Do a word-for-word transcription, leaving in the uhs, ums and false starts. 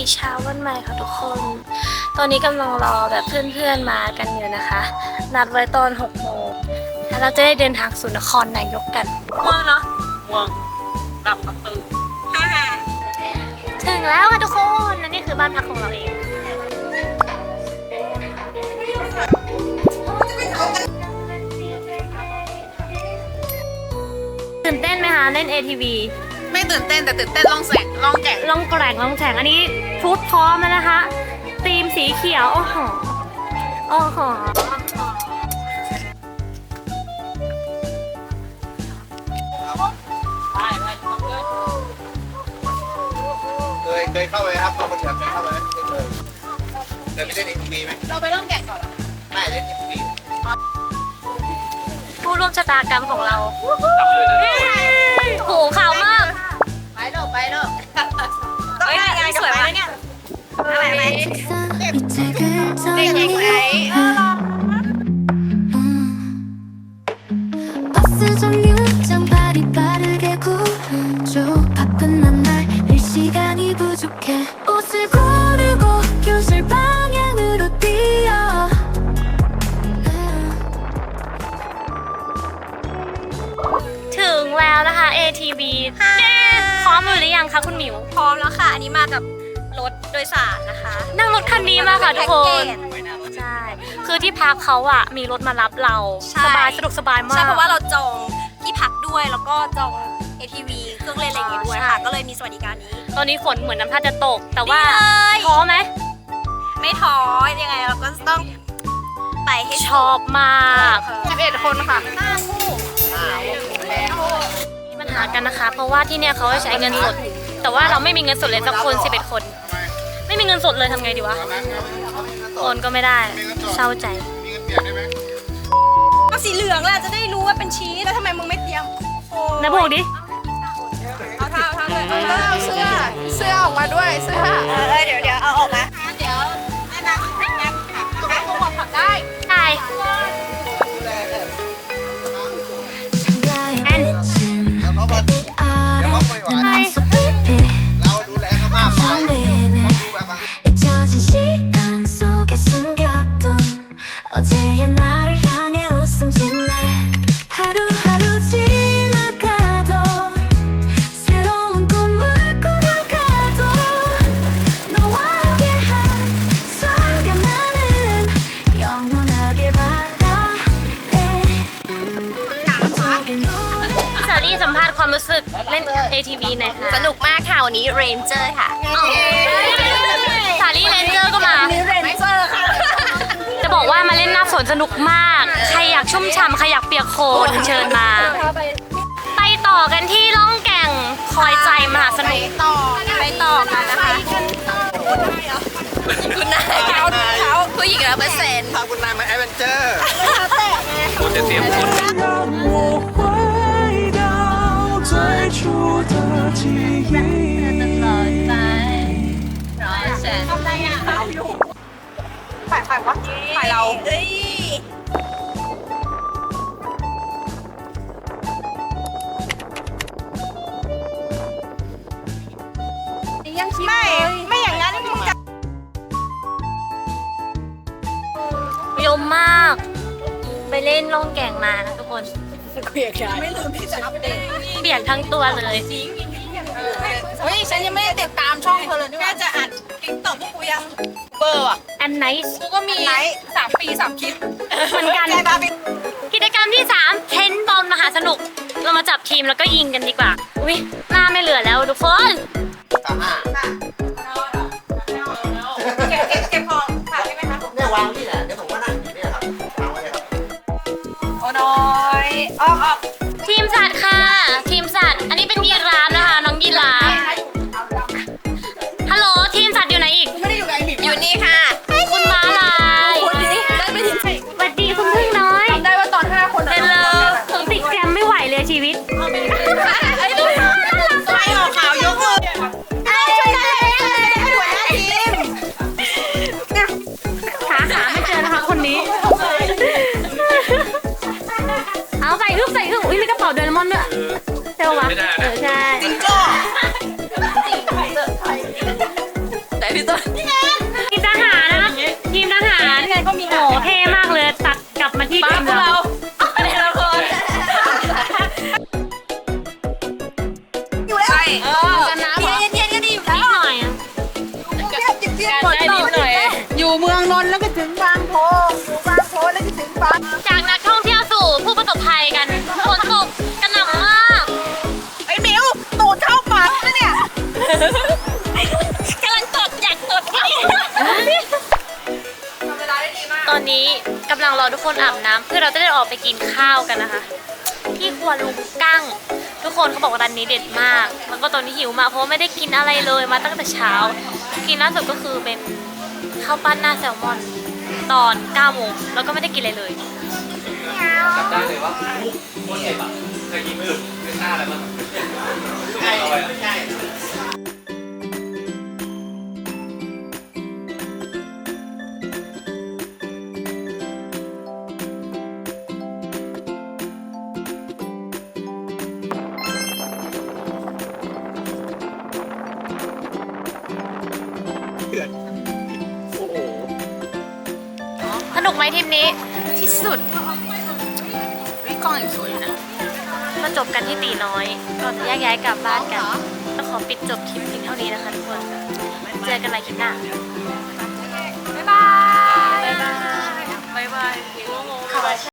เช้าวันใหม่ค่ะทุกคน ตอนนี้กำลังรอแบบเพื่อนๆมากันอยู่นะคะ นัดไว้ตอนหกโมงแล้วเราจะได้เดินทางสู่นครนายกกันม่วงเนาะม่วงกลับมาตื่นถึงแล้วค่ะทุกคนและนี่คือบ้านพักของเราเองตื่นเต้นไหมคะเล่น เอ ที วีไม่ตื่นเต้นแต่ตื่นเต้นลองแสงลองแก่งลองแกร่งลองแฉงอันนี้ชุดพร้อมแล้วนะคะธีมสีเขียวโอ้โหโอ้โหเคยเคยเข้าไปครับเข้าไปเถื่อนเคยเข้าไปไหมเคยเคยไปเล่นเอ็มวีไหมเราไปเริ่มแก่งก่อนเหรอไม่เล่นเอ็มวีผู้ร่วมชะตากรรมของเราโหขาวมากไปเริ่มไปเริ่มเฮ้ยยายสวยมากเนี่ยอะไรไหมเด็กเด็กไหน 버스 정류장 발이 빠르게 구르죠 바쁜 만날 일 시간이 부족해 옷을 고르고 교실 방향으로 뛰어 ถึงแล้วนะคะ เอ ที วี เย้พร้อมอยู่หรือยังคะคุณหมิวพร้อมแล้วค่ะอันนี้มากับรถโดยสารนะคะนั่งรถคันนี้มาค่ะทุกคนใช่คือที่พักเขาอะมีรถมารับเราใช่สบายสะดวกสบายมากใช่เพราะว่าเราจองที่พักด้วยแล้วก็จอง เอ ที วี เครื่องเล่นอะไรอย่างเงี้ยด้วยค่ะใช่ก็เลยมีสวัสดิการนี้ตอนนี้ฝนเหมือนน้ำท่าจะตก แต่ว่าดีเลยท้อไหมไม่ท้อยังไงเราก็ต้องไปให้ชอบมากสิบเอ็ดคนค่ะห้าคู่มีปัญหากันนะคะ เพราะว่าที่เนี่ยเขาให้ใช้เงินสด แต่ว่าเราไม่มีเงินสดเลยสักคนสิบเอ็ดคน ไม่มีเงินสดเลยทำไงดีวะโอนก็ไม่ได้เศร้าใจมีเงินเปลี่ยนได้ไหมเอาสีเหลืองแหละจะได้รู้ว่าเป็นชีสแล้วทำไมมึงไม่เตรียมโอ้นะบอกดิเอาเท้าเท้าเลยเอาเอาเสื้อเสื้อออกมาด้วยเสื้อเออเดี๋ยวเดี๋ยวเอาออกมาเดี๋ยวแม่นะแม่นะแม่คงบอกผักได้ใช่ 장가의 맺힌 เดี๋ยวเขามา 아래 난 so baby เราดูแลเขามากไป 설레는 ดูแบบว่า 잊혀진 시간 속에 숨겼던 어제의 나를 향해 웃음 짓네 하루하루 지나가도 새로운 꿈을 꾸려가도 너와 함께한 순간만은 영원하길 바라네 저기 노래 พี่สาลี่สัมภาษณ์ความรู้สึกเล่น เอ ที วี หน่อยค่ะสนุกมากค่ะวันนี้เรนเจอร์ค่ะสาลี่เรนเจอร์ก็มาเรนเจอร์ค่ะจะบอกว่ามาเล่นหน้าฝนสนุกมาก ใครอยากชุ่มฉ่ำใครอยากเปียกโคลนเชิญมา ไปต่อกันที่ล่องแก่งคอยใจมหาสนุกต่อไปต่อกันนะคะคุณนายเขาเขาผู้หญิงร้อยเปอร์เซ็นต์พาคุณนายมาแอดเวนเจอร์我จะเตรียมคน让我回到最初的记忆。 ถ่ายถ่ายวะถ่ายเราเฮ้ยไม่ไม่อย่างนั้นมึงจะยมมาก ไปเล่นล่องแก่งมานะทุกคนไม่ลืมที่จะอัปเดตเปียกทั้งตัวเลยเฮ้ยฉันยังไม่ได้ติดตามช่องเธอเลยแค่จะอัดติ๊กต็อกพวกกูยังเบอร์อ่ะอันไนส์กูก็มีสามปีสามคลิปเหมือนกัน กิจกรรมที่สามเทนบอลมหาสนุก เรามาจับทีมแล้วก็ยิงกันดีกว่า อุ้ยหน้าไม่เหลือแล้วทุกคนเก็บเก็บเก็บของถ่ายได้ไหมคะเนี่ยวางนี่แหละเดี๋ยวผมก็นั่งอยู่นี่ครับวางไว้เลยครับโอ้น้อยออกออกทีมสัตว์ค่ะ ทีมสัตว์ อันนี้เป็นยีราฟนะคะ น้องยีราฟฮัลโหลทีมสัตว์อยู่ไหนอีกไม่ได้อยู่กับไอหมิอยู่นี่ค่ะคุณม้าลายคนนี้ได้ไปถึงสวัสดีคุณพึ่งน้อยจำได้ว่าตอนห้าคนเฮลโลผมติดแกรมไม่ไหวเลยชีวิตไอ้ตัวไอ้ออกขาวยกมือไอ้ช่วยได้เออกันน้ำเย็นๆก็ดีอยู่นิดหน่อยอะฝนตกอยู่เมืองนนท์แล้วก็ถึงบางโพอยู่บางโพแล้วก็ถึงบางจากนักท่องเที่ยวสู่ผู้ประสบภัยกันฝนตกกระหน่ำมากไอ้มิวตูดเข้าปากนะเนี่ยกำลังตดอยากตดตอนนี้กำลังรอทุกคนอาบน้ำเพื่อเราจะได้ออกไปกินข้าวกันนะคะ ที่ครัวลุงกั้งทุกคนเขาบอกว่าร้านนี้เด็ดมาก แล้วก็ตอนนี้หิวมากเพราะว่าไม่ได้กินอะไรเลยมาตั้งแต่เช้า กินล่าสุดก็คือเป็นข้าวปั้นหน้าแซลมอนตอนเก้าโมงแล้วก็ไม่ได้กินอะไรเลยจำได้เลยว่าโคตรเจ็บอ่ะเคยกินไม่หยุดไม่กล้าอะไรมั้งใช่ใช่โอ้โหสนุกไหมทริปนี้ที่สุดวิกล้องอย่างสวยนะมาจบกันที่ตีน้อยก่อนจะแยกย้ายกลับบ้านกันก็ขอปิดจบคลิปเพียงเท่านี้นะคะทุกคน เจอกันใหม่คลิปหน้า บ๊ายบาย บ๊ายบาย บ๊ายบาย